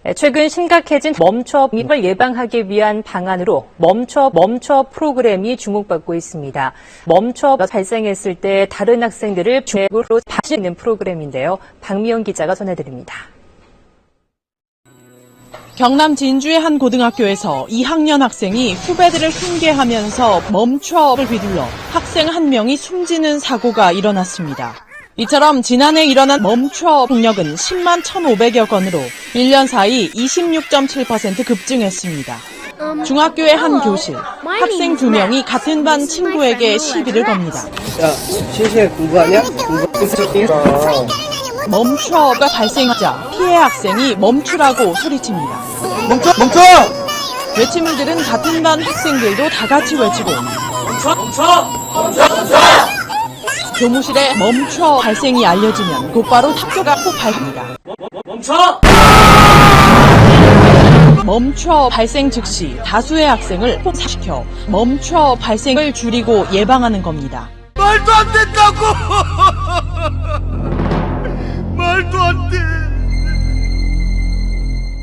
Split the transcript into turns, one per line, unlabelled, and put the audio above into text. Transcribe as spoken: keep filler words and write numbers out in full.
최근 심각해진 멈춰 을 예방하기 위한 방안으로 멈춰 멈춰 프로그램이 주목받고 있습니다. 멈춰 발생했을 때 다른 학생들을 중으로 봐주는 프로그램인데요. 박미영 기자가 전해드립니다.
경남 진주의 한 고등학교에서 이 학년 학생이 후배들을 훈계하면서 멈춰를 휘둘러 학생 한 명이 숨지는 사고가 일어났습니다. 이처럼 지난해 일어난 멈춰 폭력은 십만 천오백여 건으로 일 년 사이 이십육 점 칠 퍼센트 급증했습니다. 중학교의 한 교실, 학생 두 명이 같은 반 친구에게 시비를 겁니다.
야, 실시간 공부하냐? 공부
멈춰가 발생하자 피해 학생이 멈추라고 소리칩니다.
멈춰! 멈춰!
외침을 들은 같은 반 학생들도 다 같이 외치고
멈춰! 멈춰! 멈춰! 멈춰!
교무실에 멈춰 발생이 알려지면 곧바로 학교가 폭발합니다.
멈춰!
멈춰 발생 즉시 다수의 학생을 폭사시켜 멈춰 발생을 줄이고 예방하는 겁니다.
말도 안 된다고! 말도 안 돼!